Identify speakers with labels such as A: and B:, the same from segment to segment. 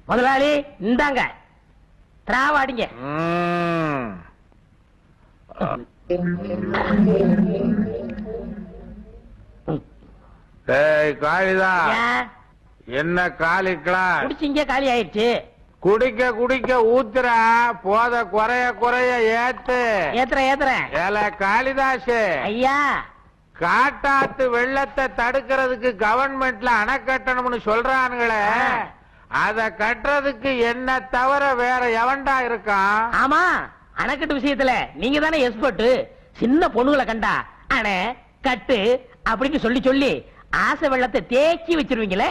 A: முதலாளி இந்தாங்க திராவாடிங்க.
B: காளிதா என்ன காலிக்கலாம்
A: குடிச்சிங்க காலி ஆயிடுச்சு.
B: குடிக்க குடிக்க ஊத்துற போத குறைய குறைய ஏத்து
A: ஏத்துறேன்.
B: ஏல காளிதாசு
A: ஐயா,
B: காட்டாத்து வெள்ளத்தை தடுக்கிறதுக்கு கவர்மெண்ட்ல அணை கட்டணும்னு சொல்றானுங்களே, அத கட்டுறதுக்கு என்ன தவிர வேற எவன்டா இருக்கான்?
A: ஆமா, அணைக்கட்டு விஷயத்துல நீங்க தானே எக்ஸ்பர்ட். சின்ன பொண்ணுகளை கண்டா அணை கட்டு அப்படின்னு சொல்லி சொல்லி ஆசை வெள்ளத்தை தேக்கி வச்சிருவீங்களே.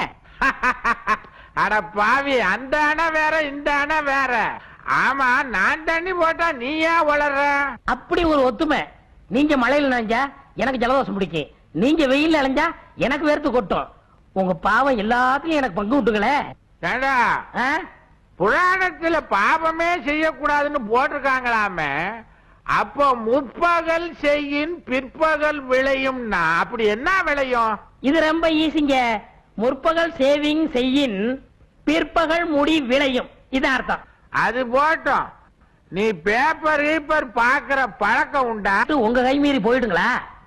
B: அட பாவி, அந்த அணை வேற இந்த அணை வேற. ஆமா, நான் தண்ணி போட்டா நீ ஏன் வளர்ற?
A: அப்படி ஒரு ஒத்துமை. நீங்க மழையில நனைஞ்சா எனக்கு ஜலதோஷம் பிடிக்கும், நீங்க வெயில்ல அலைஞ்சா எனக்கு வேர்த்து கொட்டும். உங்க பாவம் எல்லாத்தையும் எனக்கு பங்கு விட்டுங்களே.
B: ஏண்டா, புராணத்துல பாவமே செய்யக்கூடாதுன்னு போட்டிருக்காங்களாமே, அப்போ முற்பகல் செய்யின் பிற்பகல் விளையும்னா அப்படி என்ன விளையும்?
A: இது ரொம்ப ஈஸிங்க. முற்பகல் சேவிங் செய்யின் பிற்பகல் முடி விளையும், இது அர்த்தம்.
B: அது போட்டோம். நீ பேப்பர் கீப்பர் பாக்குற பழக்கம் உண்டா?
A: உங்க கை மீறி போயிடுங்களா?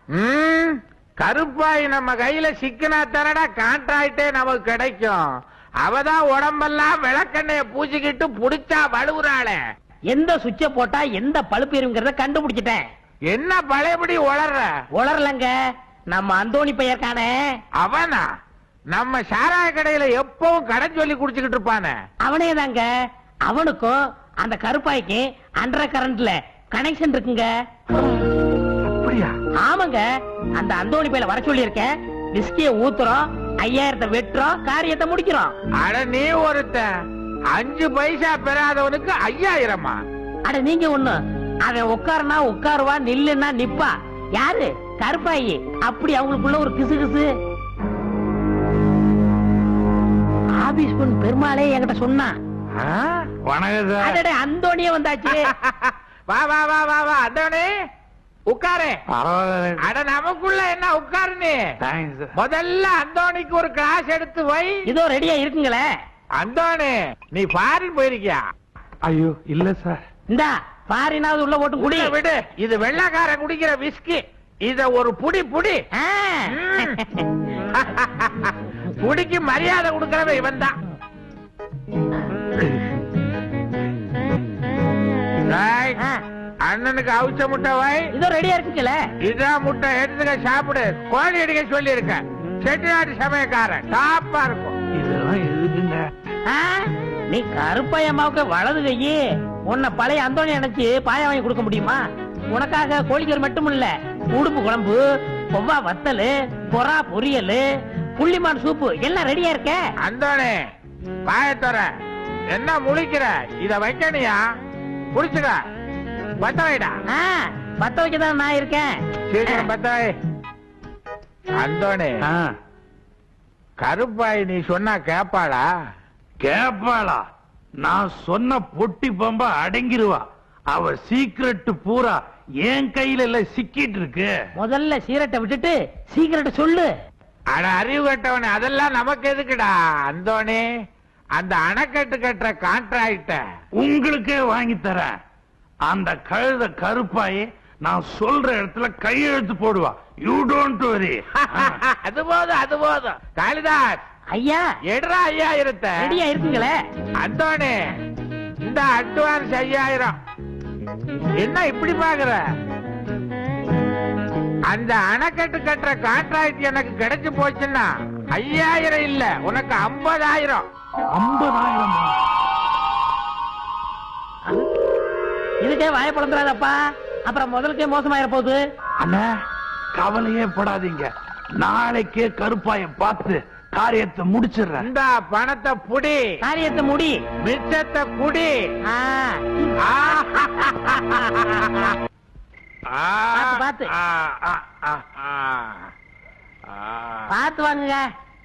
B: கருப்பாய் நம்ம கையில சிக்கினா தரடா கான்ட்ராக்டே நமக்கு கிடைக்கும். அவதான் உடம்பெல்லாம் விளக்கெண்ணைய பூச்சிக்கிட்டு புடிச்சா வலுவுறாளே.
A: எந்த சுவிட்ச போட்டா எந்த பழுப்பு எரியுங்கிறத கண்டுபிடிச்சிட்டேன்.
B: என்ன பழையபடி
A: உளரலங்க. நம்ம அந்தோணி பையர்கானே,
B: அவனா? நம்ம சாராய கடையில எப்பவும் கடை சொல்லி குடிச்சுக்கிட்டு இருப்பானே,
A: அவனே தாங்க. அவனுக்கும் அந்த கருப்பாய்க்கு அண்டர் கரண்ட்ல கனெக்ஷன் இருக்குங்க.
B: அப்படியா?
A: ஆமாங்க. அந்த அந்தோணி பையில வர சொல்லி இருக்கேன். விஸ்கிய ஊத்துறோம், 5000 வெட்டுறோம், காரியத்தை முடிக்கிறோம்.
B: அட நீ ஒருத்த 5 பைசா பெறாதவனுக்கு 5000மா?
A: அட நீங்க ஒண்ணு. அவன் உட்காருனா உட்காருவா, நில்லுன்னா நிப்பா. யாரு? கருப்பாயி. அப்படி அவங்களுக்குள்ள ஒரு கிசு கிசு. ஆபீஸ் பொண்ணு பெருமாளே என்கிட்ட சொன்னா. அந்தோணியே வந்தாச்சு.
B: வா வா வா வா வா அந்தோணி, உட்காரு. அட நமக்குள்ள என்ன உட்காரு. நீ முதல்ல அந்தோணிக்கு ஒரு கிளாஸ் எடுத்து வை.
A: இதோ ரெடியா இருக்குங்களே.
B: அந்தோணி, நீ ஃபாரின் போயிருக்கியா?
C: ஐயோ இல்ல சார்.
A: இந்தா ஃபாரினாவது உள்ள போட்டு குடி.
B: விடு, இது வெள்ளக்காரன் குடிக்கிற விஸ்கி. இத ஒரு புடி புடி. புடிக்கு மரியாதை கொடுக்கறவன் இவன் தான். அண்ணனுக்கு அவிச்ச முட்டை வை.
A: இதோ ரெடியா இருக்குல்ல.
B: இதான் முட்டை, எடுத்துக்க சாப்பிடு. கோழி அடிக்க சொல்லி இருக்க. செட்டிநாட்டு சமயக்காரன் டாப்பா இருக்கும்.
C: இதெல்லாம் எதுக்குங்க?
A: நீ கருப்பாய் அம்மாவுக்கு வலது கையே. உன்னை பழைய அந்தோணி நினைச்சு பாயா வாங்கி கொடுக்க முடியுமா? உனக்காக கோழிக்கறி மட்டும் இல்ல, உடுப்பு குழம்பு, கொவ்வா வத்தல், பொறா பொரியல், புள்ளிமான் சூப்பு எல்லாம் ரெடியா இருக்க.
B: அந்தோணி பாயத்தோற என்ன முழிக்கிற? இத வைக்கணியா? புடிச்சுக்க. பத்த வைடா.
A: பத்த வைக்கதான் நான் இருக்கேன்.
B: சீக்கிரம் பத்த வை. அந்தோணி, கருப்பாய் நீ சொன்னா கேப்பாளா?
C: கேப்பாளா? நான் சொன்ன பொட்டி பம்ப அடங்கிருவா. அவ சீக்கிரட் பூரா என் கையில இல்ல சிக்கிட்டு இருக்கு.
A: முதல்ல சீரட்டை விட்டுட்டு சீக்கிரட்ட சொல்லு.
B: அட அறிவு கட்டவனே, அதெல்லாம் நமக்கு எதுக்குடா? அந்தோணி, அந்த அணைக்கட்டு கட்டுற கான்ட்ராக்ட
C: உங்களுக்கே வாங்கி தரேன். அந்த கழுத கருப்பாயே நான் சொல்ற இடத்துல கையெழுத்து போடுவா. You don't worry.
B: அது போதும், அது போதும். காளிதாஸ்
A: ஐயா,
B: எடுறா 5000.
A: ரெடியா இருக்குங்களே.
B: அந்தோணி, இந்த அட்வான்ஸ் 5000. என்ன இப்படி பாக்குற? அந்த அணைக்கட்டு கட்டுற கான்ட்ராக்ட் எனக்கு கிடைச்சு போச்சுன்னா 5000 இல்ல, உனக்கு 50000.
C: 50000?
A: இதுக்கே வாய பழந்துறாதப்பா, அப்புறம் முதலுக்கே மோசமாயிர போகுது.
C: அண்ணா கவலையே படாதீங்க, நாளைக்கே கருப்பாய பார்த்து காரியத்தை முடிச்சிடுறேன்.
B: இந்த பணத்தை புடி,
A: காரியத்தை முடி,
B: மிச்சத்தை குடி.
A: பார்த்து பார்த்து வாங்குங்க.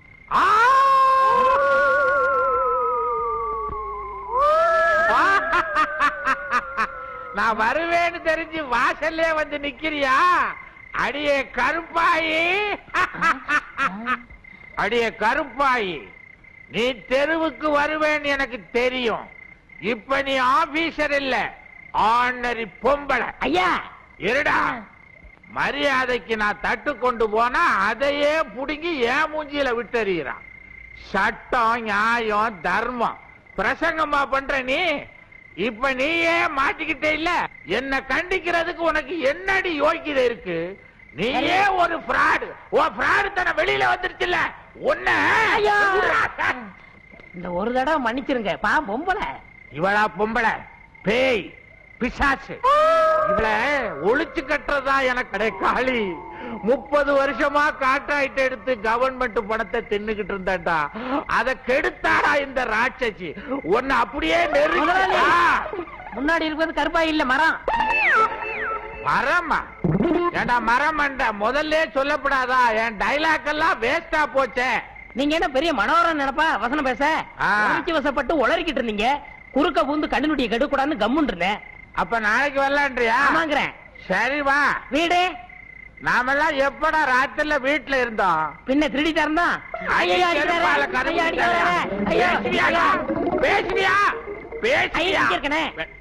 B: நான் வருவேன்னு தெரிஞ்சு வாசல்லே வந்து நிக்கிறியா? அடியே கருப்பாயி, அடியே கருப்பாயி, நீ தெருவுக்கு வருவேன்னு எனக்கு தெரியும். இப்ப நீ ஆபீசர் இல்ல, ஆர்டினரி பொம்பளை.
A: ஐயா
B: இருடா, மரியாதைக்கு நான் தட்டு கொண்டு போனா அதையே புடுங்கி ஏன் மூஞ்சியில விட்டறிகிறான். சட்டம், நியாயம், தர்மம் பிரசங்கமா பண்ற நீ. இப்ப நீயே மாட்டிக்கிட்டே இல்ல. என்ன கண்டிக்கிறதுக்கு உனக்கு என்னடி யோகிதை இருக்கு? நீயே ஒரு ஃப்ராடு. உன் ஃப்ராடு தன வெளியில வந்துருச்சுல்ல உன்ன.
A: ஐயா! இந்த ஒரு தடவை மன்னிச்சிருங்க. பா பொம்பளை.
B: இவளா பொம்பளை? பேய், பிசாசு. இவள ஒளிச்சு கட்டுறதா எனக்கு கிடைக்காளி. 30 வருஷமா கான்ட்ராக்ட் எடுத்து கவர்மெண்ட் பணத்தை தின்னுகிட்டு இருந்தாடா. அத கெடுத்தாடா இந்த ராட்சசி. ஒன்னு அப்படியே நெருங்கா.
A: முன்னாடி இருக்கிறது கருப்பாய் இல்ல, மரம்.
B: மரமா? ஏண்டா மரமண்ட, முதல்ல சொல்லப்படாதா? என் டைலாக் எல்லாம் வேஸ்டா போச்சே.
A: நீங்க என்ன பெரிய மனோரம் நினைப்பா வசனம் பேச? உணர்ச்சி வசப்பட்டு உளறிக்கிட்டு இருந்தீங்க. குறுக்க பூந்து கண்ணுடைய கெடுக்கூடாதுன்னு கம்முன்னு இருந்தேன்.
B: அப்ப நாளைக்கு வரலான்றியா?
A: ஆமாங்கிறேன்.
B: சரி வா.
A: வீடு
B: நாமெல்லாம் எப்படா ராத்திரில வீட்டுல இருந்தோம்?
A: பின்ன திருடி தரந்தான்.
B: பேசுவியா? பேசுவியா? பேசுவியா?